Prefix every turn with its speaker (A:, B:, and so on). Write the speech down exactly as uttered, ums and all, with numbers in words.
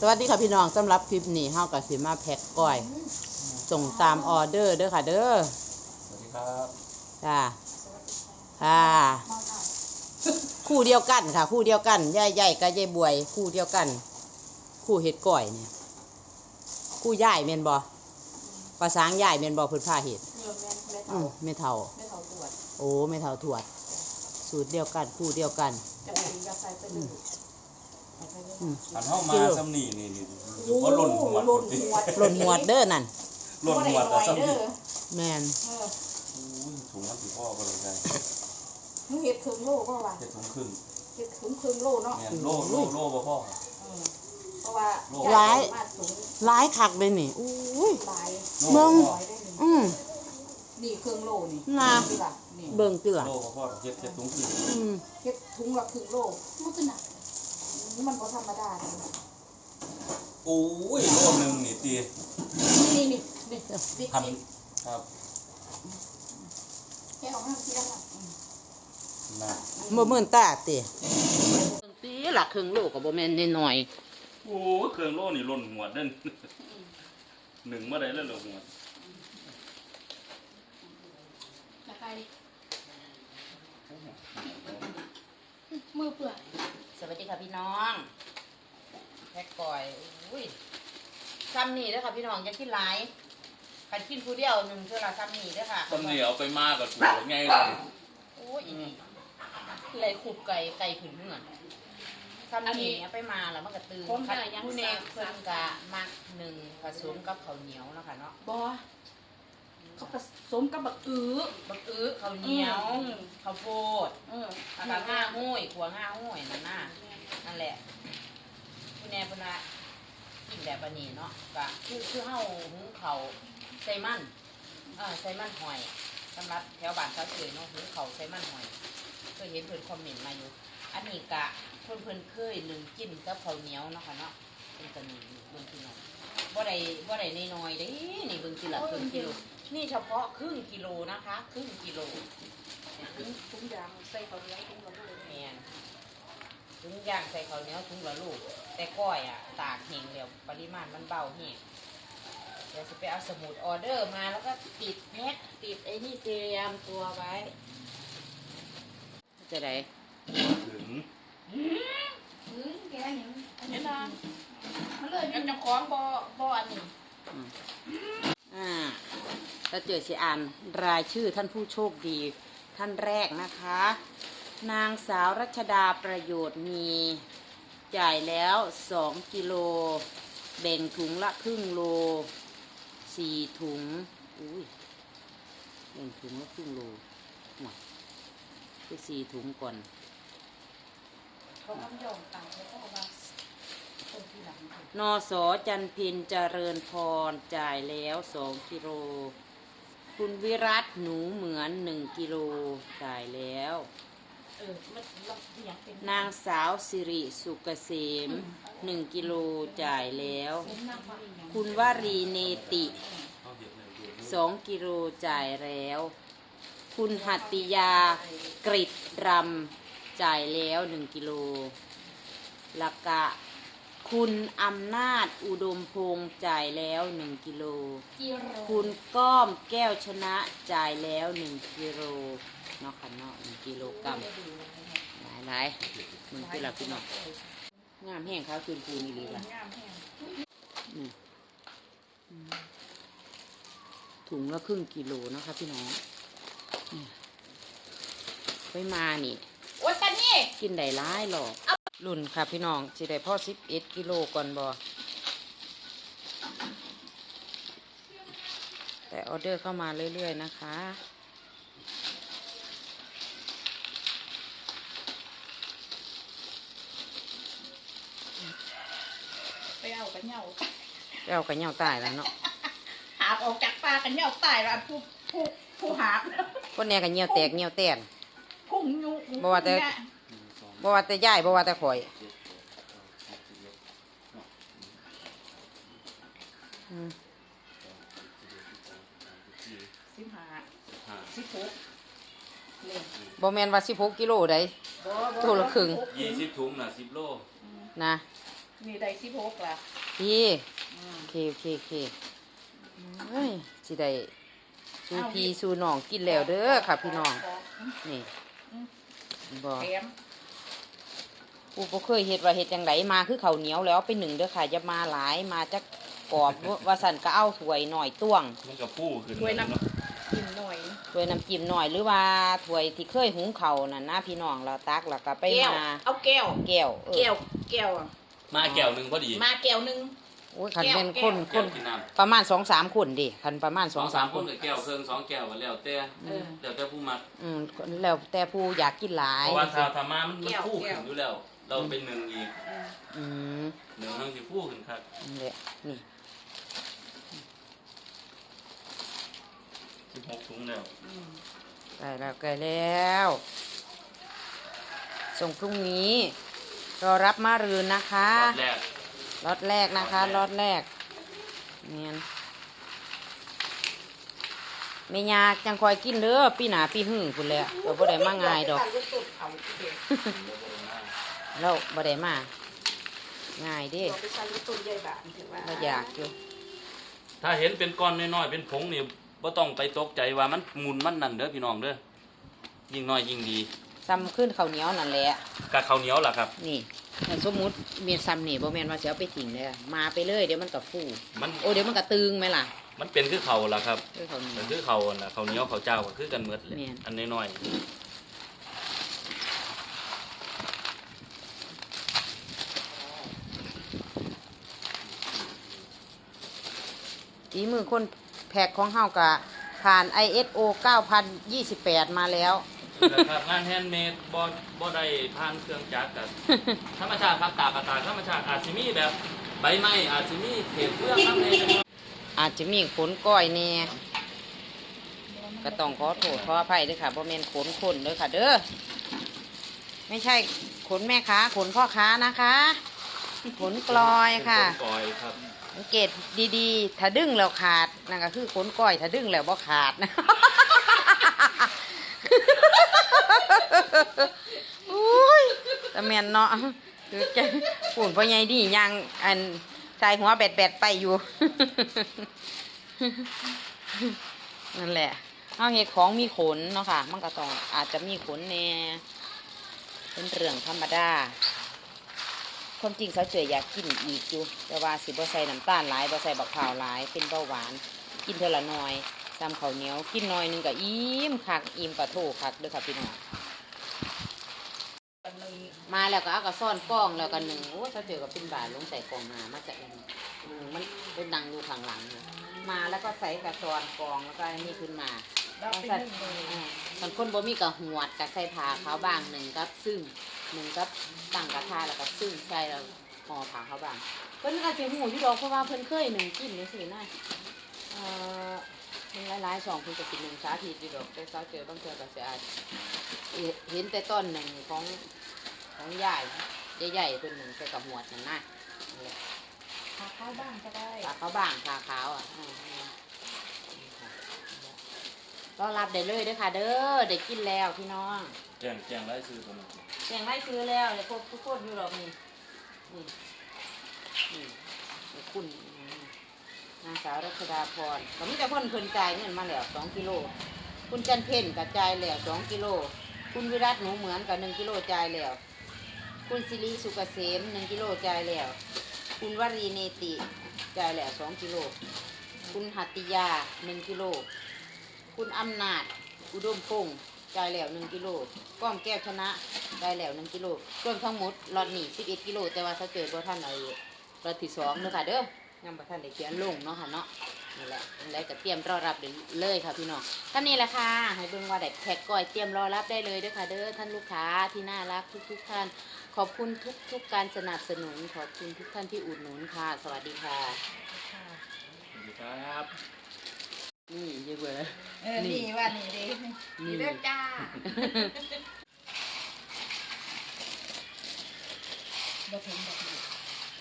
A: สวัสดีค่ะพี่น้องสำหรับคลิปนี้เฮากับสิมาแพ็คก้อยส่งตามออเดอร์เด้อค่ะเด้อ
B: สวัสดีครับ
A: จ้าค่ะคู่เดียวกันค่ะคู่เดียวกันย่ายใหญ่กับย่ายบวยคู่เดียวกันคู่เห็ดก้อยเนี่ยคู่ย่ายเมนบอภาษาย่ายเมนบอพื้นผ้าเห็ดอืมไม่เท่าโอ้ไม่เท่าถวดสูตรเดียวกันคู่เดียวกัน
B: อันเข้ามาซ้ำนี่นี่นี่ว่าหล่นหัวหล่นหัว
A: หล่นหัวเด้อนั่น
B: หล่นหัวแต่ซ้ำนี่
A: แมน
B: ถุงมันสีพ่อก็เลยได้
C: มึงเห็ดครึ่งโลก็ว่า
B: เห็ดถุงครึ่ง
C: เห็ดถุงครึ่งโลเนาะ
B: โลโลโลบ่พ่อ
C: เพราะว่า
A: ร้ายร้ายคักเลยนี่อุ้ยเบิ่งอืม
C: นี่ครึ่งโลนี่
A: นะเบิ่งเตือ
B: โลบ่พ่อเห็ดเห็ดถุงครึ่ง
A: อืม
C: เห็ดถุงละครึ่งโลมันก็หนักนี่มันบ่ธรรมดา
B: โอ้ยโลนึงนี่ตี
C: นี่นี่นี่
B: พันครับ
C: แค่เอาห้าทีละ
B: นะ
A: บ่มื่นตาติตีหลักครึ่งโลก็บ่แม่นน้อย
B: โอ้เครื่องโลนี่หล่นหัวเด้นหนึ่งเมื่อใดแล้วหล่นหัว
C: จะไปดิมือเปื่อย
A: สวัสดีค่ะพี่น้องแพ็คก้อยอุ้ยซ้ำนี่เด้อค่ะพี่น้องอย่ากินหลายคันกินผู้เดียวหนึ่งเท่าละซ้ำนี่เด้อค่ะ
B: ซ้ำนี่เอาไปมากกับกูไงล่ะ
A: โอ้ยอีนี่เลยขุบไก่ไก่ผืนเหมือนซ้ำนี่เอาไปมาแล้วมันก็ตื่นคัดผู้เนกเพิ่นกะมักหนึ่งผสมกับข้าวเหนียวเนาะค่ะเนาะ
C: บ่เขาผสมกับบักอื้อ
A: บักอื้อข้าวเหนียวข้าวโพดเออแล้วก็ง่าห้วยขัวง่าห้วยนั่นน่ะนั่นแหละผู้เนกเพิ่นว่ากินแบบอันนี้เนาะก็คือคือเฮาหุงข้าวใส่มันเออใส่มันหอยสำหรับแถวบ้านเขาเอ่ยเนาะหุงข้าวใส่มันหอยเคยเห็นเพิ่นคอมเมนต์มาอยู่อันนี้กะเพิ่นเพิ่นเคยนึ่งกินกับข้าวเหนียวเนาะค่ะเนาะเป็นตะนีเบิ่งพี่น้องบ่ได้บ่ได้น้อยๆเด้นี่เบิ่งทีละครึ่งกิโลนี่เฉพาะครึ่งกิโลนะคะครึ่งกิโล
C: ถุงถุงยางใส่ข้าวเหนียวถุงละลูก
A: แม่นถุงยางใส่ข้าวเหนียวถุงละลูกแต่ก้อยอ่ะตากแห้งแล้วปริมาณมันเบาแห้งเดี๋ยวจะไปเอาสมุดออเดอร์มาแล้วก็ติดแพ็คติดไอ้นี่เตรียมตัวไว้จะได้
B: ถึง
C: ถึงแกอย่างอันนี้นะ
A: มันเลยมันจะคล้องบ่บ่อันนี้อ่าเราเจอสิอ่านรายชื่อท่านผู้โชคดีท่านแรกนะคะนางสาวรัชดาประโยชน์มีจ่ายแล้วสองกิโลแบ่งถุงละครึ่งโลสี่ถุงอุ้ยแบ่งถุงละครึ่งโลหมดไปสี่ถุงก่อน
C: เขาทำยอมต่างเขาก็มา
A: นส.จันพินเจริญพรจ่ายแล้วสองกิโลคุณวิรัตหนูเหมือนหนึ่งกิโลจ่ายแล้วนางสาวสิริสุกเกษมหนึ่งกิโลจ่ายแล้วคุณวรีเนติสองกิโลจ่ายแล้วคุณหัตติยากริดรำจ่ายแล้วหนึ่งกิโลละกะคุณอำนาจอุดมพงษ์จ่ายแล้วหนึ่งกิโลคุณก้อมแก้วชนะจ่ายแล้วหนึ่งกิโลเนาะค่ะเนาะหนึ่งกิโลกรัมหลายหลายมันคือหลักพี่น้องงามแห้งเขาคืนปูนี่ดีละถุงละครึ่งกิโลนะคะพี่น้องไปมานี่
C: โอ๊ยตอนนี้
A: กินได้หลายหรอกรุ่นค่ะพี่น้องสิได้พ่อสิบเอ็ดกิโลก่อนบอแต่ออเดอร์เข้ามาเรื่อยๆนะคะ
C: ไปเอากันเหนียว
A: ไปเอากันเหนียวตายแล้วเนาะ
C: หาบออกจากปลากันเหนียวตายแล้วผู้ผู้ผู้หาบ
A: คนเนี้ยกันเหนียวแตกเหนียวแตน
C: พุ่งยุ
A: บ่ว่าแต่บ่ว่าแต่ย่ายบ่ว่าแต่ข่อย
C: สิบห้าสิบหก
A: บ่แม่นว่าสิบหกกิโลได้ตัวละครึ่ง
B: ยี่สิบถุงน่ะสิบโล
A: นะ
C: มีได้สิบหกล่ะ
A: พี่
C: อืม
A: โอเคโอเคโอเคเฮ้ยสิได้สู่พี่สู่น้องกินแล้วเด้อค่ะพี่น้องนี่บ่
C: แถม
A: กูบ่เคยเฮ็ดว่าเฮ็ดจังไดมาคือข้าวเหนียวแล้วเอาไปหนึ่งเด้อค่ะอย่ามาหลายมาจักกรอบ ว่าสั่นก็เอาถ้วยหน่อยต้วง
B: มันกับผู้ขึ้น
C: ถ้วยน้
B: เนาะ
C: ำกินหน่อย
A: ถ้วยน้ำจิ้มหน่อยหรือว่าถ้วยที่เคยหุงข้าวนั่นนะพี่น้องเราตักแล้วก็ไป
C: แก้ว
A: มา
C: เอาแก้ว
A: แก้วเออ
C: แก้วแก้วอะ
B: มาแก้วหนึงพอดี
C: มาแก้วหนึง
A: โอ้ยคันเป็น
C: แก้
A: ค
C: ว
A: น
B: แก้
A: ค
B: วน กินน้ำ
A: ประมาณสองสามคนดิคันประมาณ
B: ส
A: ส
B: อ
A: อง ง
B: สา
A: สาม ม
B: ค
A: คน น
B: กับแก้วเครื่องสองแก้วก็แล้วแต่
C: เออ
B: แล้วแต่ผู้มัก
A: อืมแล้วแต่ผู้อยากกินหลาย
B: เพราะว่าถ้าถ้ามามันมัน
C: แก้ว
B: ผู้
C: แก้
B: ขึ้
C: ว
B: นอยู่แล้ว เราเป็นหนึ่งอีก
A: อืม
B: หนึ่งทั้งสิผู้ขึ้นครับ
A: นี่แหละนี่
B: สิบหกถุงแล้ว
C: อืม
A: ใกล้แล้วใกล้แล้วส่งพรุ่งนี้รอรับมารืนนะคะ
B: รอบแรก
A: ล็อตแรกนะคะล็อตแรกเนียนไม่ยากจังคอยกินเด้อปีหนาปีหึ่งคุณแหล้วเราบ่ได้มาง่ายดอก
C: ตัดลูกตุ่นเอาเด็ก
A: เราบ่ได้มาง่ายเดิ
C: เราไปใส่ลูกตุ่นใหญ่แบบถือว่า
A: เราอยากอยู่
B: ถ้าเห็นเป็นก้อนน้อยๆเป็นผงนี่บ่ต้องไปตกใจว่ามันหมุนมันนั่นเด้อพี่น้องเด้อยิ่งน้อยยิ่งดี
A: ซ้ำขึ้นข้าวเหนียวนั่นแหละ
B: กะข้าวเหนียวล่ะครับ
A: นี่ถ้าสมมุติเมียซ้ำนี่บ่แม่นว่าสิเอาไปทิ้งเด้อมาไปเลยเดี๋ยวมันก็ฟู
B: มัน
A: โอ้เดี๋ยวมันก็ตึงไหมล่ะ
B: มันเป็นคือเขาวล่ะครับ
A: คือข้าวเหนีย
B: แต่
A: ว
B: คือเขาวน่ะเขาวเหนียวเขาวเจ้าก็คือกันหมดเลย
A: แม่น
B: อันน้อย
A: ฝีมือคนแพ็คของเฮากะผ่าน ไอ เอส โอ เก้าพันยี่สิบแปด มาแล้ว
B: ๆนะครับงานแฮนด์เมดบ่บ่ได้ผ่านเครื่องจักรกับ ธรรมชาติครับตากระตากธรรมชาติอาจสิมีแบบใบไม้อาจสิมีเศษเปลือกน้ำในนะครับ
A: อาจจะมีขนก้อยแน่ก็ต้องขอโทษขออภัยด้วยค่ะบ่แม่นขนคนเด้อค่ะ เด้อไม่ใช่ขนแม่ค้าขนพ่อค้านะคะขนกลอยค่ะ
B: เป็นนกลอยครับ
A: สังเกตดีๆ ถ้าดึงแล้วขาดนั่นก็คือขนก้อย ถ้าดึงแล้วบ่ขาดนะ อุ้ยแต่แม่นเนาะคือจะปุ่นพ่อใหญ่ดียังอันชายหัวแบดๆไปอยู่ นั่นแหละเอาเห็ดของมีขนเนาะค่ะ มันก็ต้องอาจจะมีขนแน่เป็นเรื่องธรรมดาความจริงเขาเจออยากกินอีกอยู่แต่ว่าสิบ่ใส่น้ำตาลหลายบ่ใส่บักพร้าวหลายเป็นเบาหวาน กินเท่าละหน้อยตามข้าวเหนียวกินหน้อยหนึงก็อิ่มคักอิ่มปะโถคักเด้อค่ะพี่น้องมาแล้วก็เอากระซ่อนกล้องแล้วก็หนึ่งโอ้เขาเจอกับเป็นบาทลงใส่กล่องมามาจากอันนี้อืมมันเป็นดังอยู่ข้างหลังเลยมาแล้วก็ใส่กระซอนกองแล้วก็อันนี้ขึ้นมา
C: เราไปนึ่งเลย
A: อ่าบางคนบ่มีกับหวดกับใส่ผ้าขาวบางหนึ่งกับซึ่งหนึ่งกับตั้งกระทะแล้วก็ซึ่งใส่แล้วห่อผ้าขาวบางเพิ่นก็สิหูอยู่ดอกเพราะว่าเพิ่นเคยหนึ่งกินจังซี่นะเอ่อมันหลายๆสองเพิ่นก็สิหนึ่งสาธิตอยู่ดอกแต่เช้าเจอบางเทื่อก็สิอาจเห็นแต่ต้นหนึ่งของของยายใหญ่ๆเพิ่นหนึ่งใส่กับหวดนั่นนะนั่นแหละ
C: หาข้าวบ้างก็ได้
A: ผ้าขาวบางผ้าขาวอ่ะอืมต้อนรับได้เลยเด้อค่ะ เด้อได้กินแล้วพี่น้อง
B: แจ้งแจ้งรายชื่อผม
A: เสียงไล่ซื้อแล้วเลยพวกทุกคนอยู่หรอกนี่นี่นี่นี่คุณนางสาวรัชดาพรก็มีแต่คนเพิ่นจ่ายเงินมาแล้วสองกิโลคุณจันเพ็ญกับจ่ายแล้วสองกิโลคุณวิรัตหนูเหมือนกับหนึ่งกิโลจ่ายแล้วคุณสิริสุกเกษมหนึ่งกิโลจ่ายแล้วคุณวรีเนติจ่ายแล้วสองกิโลคุณหัตติยาหนึ่งกิโลคุณอำนาจอุดมพงษ์จ่ายแล้วหนึ่งกิโลก้อมแก้วชนะจ่ายแล้วหนึ่งกิโลรวมทั้งหมดรอดหนีสิบเอ็ดกิโลแต่ว่าถ้าเจอบ่ท่านเอารอดที่สองเด้อค่ะเด้อยังบ่ท่านได้เขียนลงเนาะค่ะเนาะนี่แหละแล้วก็เตรียมรอรับเลยค่ะพี่น้องท่านนี้แหละค่ะให้เบิ่งว่าได้แพ็คก้อยเตรียมรอรับได้เลยเด้อค่ะเด้อท่านลูกค้าที่น่ารักทุกๆท่านขอบคุณทุกๆการสนับสนุนขอบคุณทุกท่านที่อุดหนุนค่ะสวัสดีค่ะ
B: สวัสดีครับ
A: นี่เยอะเบื่อ
C: เออนี่ว่านี่เด้นี่เด้อจ้า